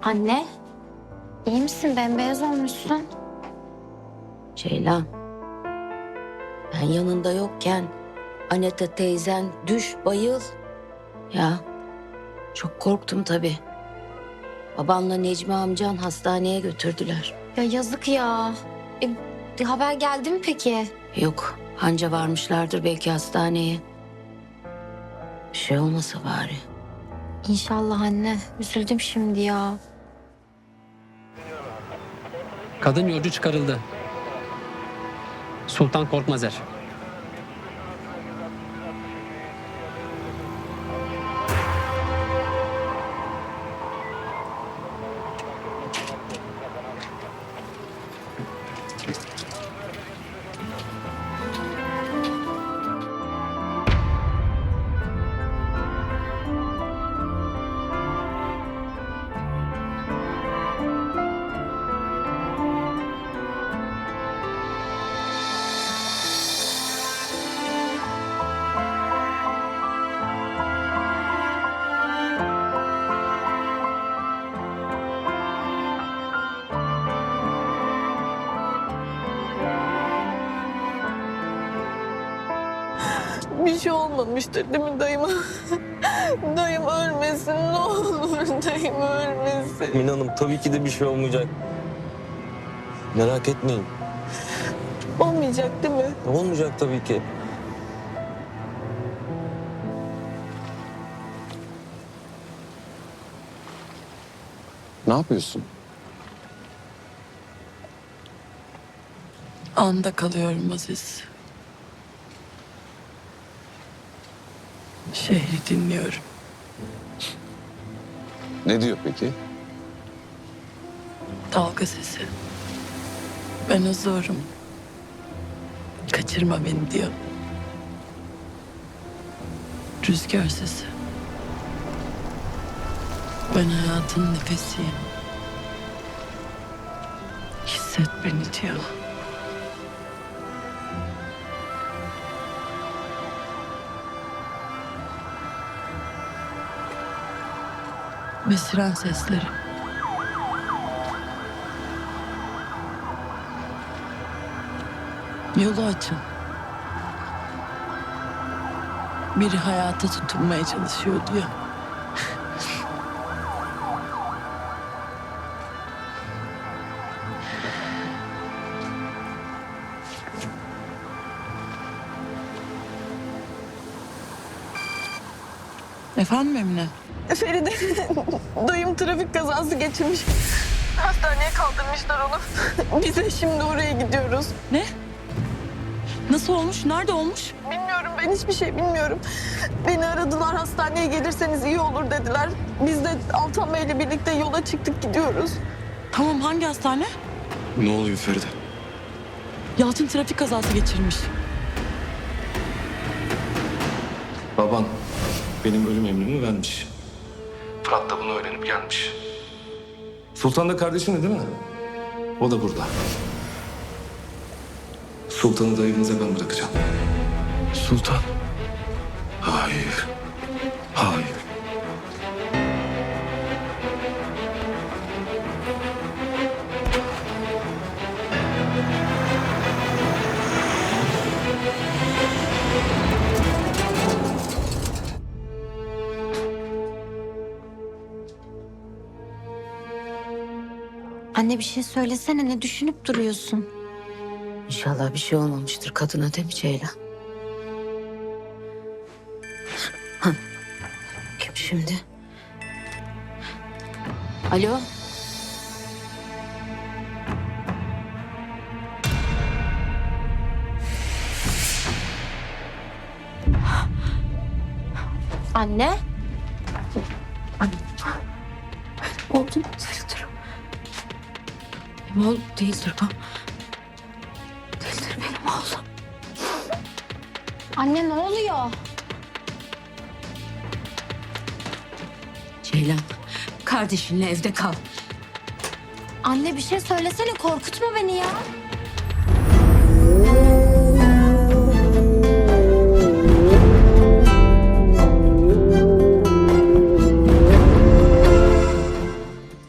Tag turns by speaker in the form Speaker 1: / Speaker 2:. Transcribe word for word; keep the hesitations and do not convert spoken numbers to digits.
Speaker 1: Anne, iyi misin? Bembeyaz olmuşsun.
Speaker 2: Ceylan, ben yanında yokken Aneta teyzen düş bayıl. Ya çok korktum tabii. Babanla Necmi amcan hastaneye götürdüler.
Speaker 1: Ya yazık ya. E, bir haber geldi mi peki?
Speaker 2: Yok, anca varmışlardır belki hastaneye. Bir şey olmasa bari.
Speaker 1: İnşallah anne. Üzüldüm şimdi ya.
Speaker 3: Kadın yolcu çıkarıldı. Sultan Korkmazer.
Speaker 4: Bir şey olmamıştır değil mi dayıma? Dayım ölmesin ne olur, dayım ölmesin.
Speaker 5: Mine Hanım tabii ki de bir şey olmayacak. Merak etmeyin.
Speaker 4: Olmayacak değil mi?
Speaker 5: Olmayacak tabii ki.
Speaker 6: Ne yapıyorsun?
Speaker 4: Anda kalıyorum Aziz. Şehri dinliyorum.
Speaker 6: Ne diyor peki?
Speaker 4: Dalga sesi. Ben huzurum. Kaçırma beni diyor. Rüzgar sesi. Ben hayatın nefesiyim. Hisset beni diyor. Ve siren sesleri. Yolu açın. Biri hayata tutunmaya çalışıyor diyor. Efendim Emine?
Speaker 7: Feride, dayım trafik kazası geçirmiş. Hastaneye kaldırmışlar onu. Biz de şimdi oraya gidiyoruz.
Speaker 4: Ne? Nasıl olmuş? Nerede olmuş?
Speaker 7: Bilmiyorum, ben hiçbir şey bilmiyorum. Beni aradılar, hastaneye gelirseniz iyi olur dediler. Biz de Altan Bey'le birlikte yola çıktık, gidiyoruz.
Speaker 4: Tamam, hangi hastane?
Speaker 6: Ne oluyor Feride?
Speaker 4: Yalçın trafik kazası geçirmiş.
Speaker 6: Baban benim ölüm emrimi vermiş. Fırat da bunu öğrenip gelmiş. Sultan da kardeşin değil mi? O da burada. Sultan'ı da evinize ben bırakacağım. Sultan? Hayır. Hayır.
Speaker 1: Anne bir şey söylesene, ne düşünüp duruyorsun?
Speaker 2: İnşallah bir şey olmamıştır kadına değil mi Ceylan? Hah. Kim şimdi? Alo?
Speaker 1: Anne?
Speaker 2: Oldu mu? Değildir. Benim oğlum değildir bu. Değildir benim oğlum.
Speaker 1: Anne ne oluyor?
Speaker 2: Ceylan, kardeşinle evde kal.
Speaker 1: Anne bir şey söylesene, korkutma beni ya.